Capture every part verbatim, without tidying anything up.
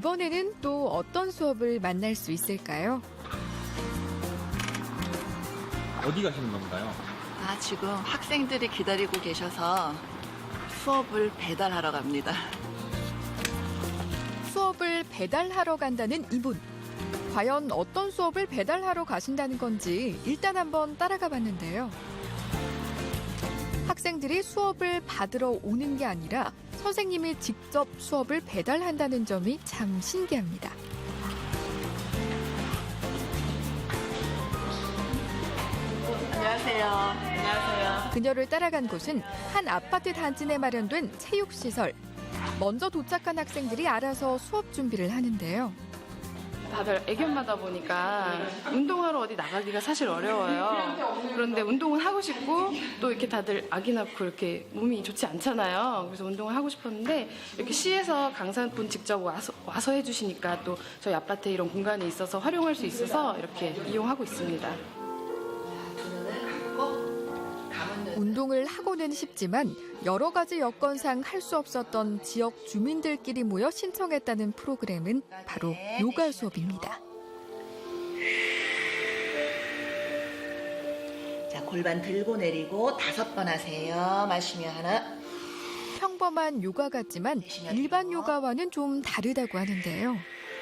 이번에는 또 어떤 수업을 만날 수 있을까요? 어디 가시는 건가요? 아, 지금 학생들이 기다리고 계셔서 수업을 배달하러 갑니다. 수업을 배달하러 간다는 이분. 과연 어떤 수업을 배달하러 가신다는 건지 일단 한번 따라가 봤는데요. 학생들이 수업을 받으러 오는 게 아니라 선생님이 직접 수업을 배달한다는 점이 참 신기합니다. 안녕하세요. 안녕하세요. 그녀를 따라간 곳은 한 아파트 단지 내 마련된 체육시설. 먼저 도착한 학생들이 알아서 수업 준비를 하는데요. 다들 애견마다 보니까 운동하러 어디 나가기가 사실 어려워요. 그런데 운동은 하고 싶고 또 이렇게 다들 아기 낳고 이렇게 몸이 좋지 않잖아요. 그래서 운동을 하고 싶었는데 이렇게 시에서 강사분 직접 와서, 와서 해주시니까 또 저희 아파트에 이런 공간이 있어서 활용할 수 있어서 이렇게 이용하고 있습니다. 운동을 하고는 싶지만 여러 가지 여건상 할 수 없었던 지역 주민들끼리 모여 신청했다는 프로그램은 바로 요가 수업입니다. 자, 골반 들고 내리고 다섯 번 하세요. 마시며 하나. 평범한 요가 같지만 일반 요가와는 좀 다르다고 하는데요.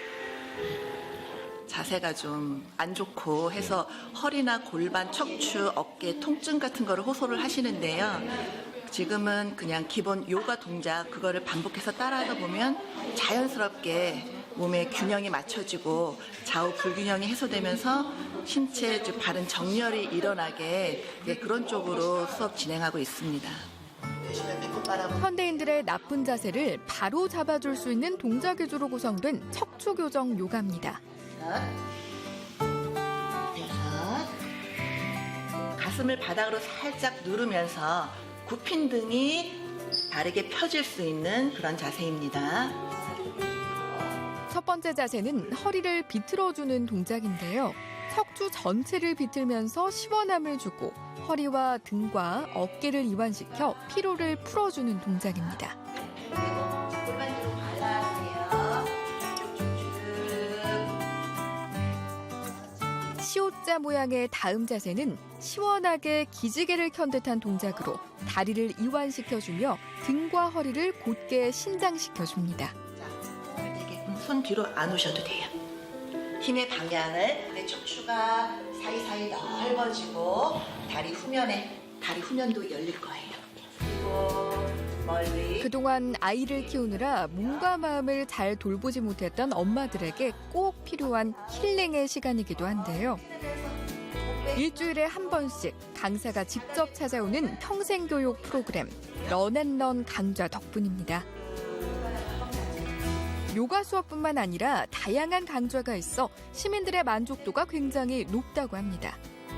자세가 좀 안 좋고 해서 허리나 골반, 척추, 어깨 통증 같은 거를 호소를 하시는데요. 지금은 그냥 기본 요가 동작 그거를 반복해서 따라하다 보면 자연스럽게 몸의 균형이 맞춰지고 좌우 불균형이 해소되면서 신체 바른 정렬이 일어나게 그런 쪽으로 수업 진행하고 있습니다. 현대인들의 나쁜 자세를 바로 잡아줄 수 있는 동작 위주로 구성된 척추 교정 요가입니다. 가슴을 바닥으로 살짝 누르면서 굽힌 등이 바르게 펴질 수 있는 그런 자세입니다. 첫 번째 자세는 허리를 비틀어주는 동작인데요. 척추 전체를 비틀면서 시원함을 주고 허리와 등과 어깨를 이완시켜 피로를 풀어주는 동작입니다. 골반 뒤로 발라주세요. 시옷자 모양의 다음 자세는 시원하게 기지개를 켠 듯한 동작으로 다리를 이완시켜주며 등과 허리를 곧게 신장시켜줍니다. 자, 되게 손 뒤로 안 오셔도 돼요. 힘의 방향을 내 척추가 사이사이 넓어지고 다리 후면에 다리 후면도 열릴 거예요. 그리고 멀리. 그동안 아이를 키우느라 몸과 마음을 잘 돌보지 못했던 엄마들에게 꼭 필요한 힐링의 시간이기도 한데요. 일주일에 한 번씩 강사가 직접 찾아오는 평생교육 프로그램 런앤런 강좌 덕분입니다. 요가 수업뿐만 아니라 다양한 강좌가 있어 시민들의 만족도가 굉장히 높다고 합니다.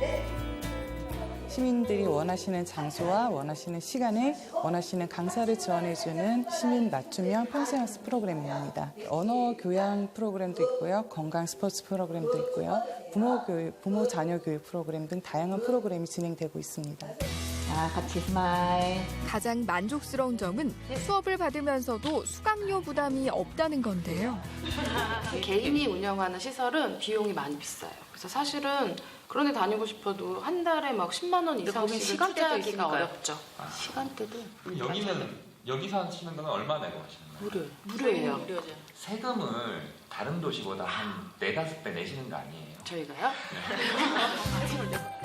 시민들이 원하시는 장소와 원하시는 시간에 원하시는 강사를 지원해주는 시민 맞춤형 평생학습 프로그램입니다. 언어 교양 프로그램도 있고요. 건강 스포츠 프로그램도 있고요. 부모 교육, 부모 자녀 교육 프로그램 등 다양한 프로그램이 진행되고 있습니다. 자, 같이 스마일. 가장 만족스러운 점은 수업을 받으면서도 수강료 부담이 없다는 건데요. 개인이 운영하는 시설은 비용이 많이 비싸요. 그래서 사실은 그런 데 다니고 싶어도 한 달에 막 십만 원 이상씩을 투자하기가 어렵죠. 아. 시간대도. 그럼 여기는 여기서 하시는 거는 얼마 내고 하시는 거예요? 무료. 무료예요. 세금을 다른 도시보다 한 네다섯 배 내시는 거 아니에요? 저희가요? 네.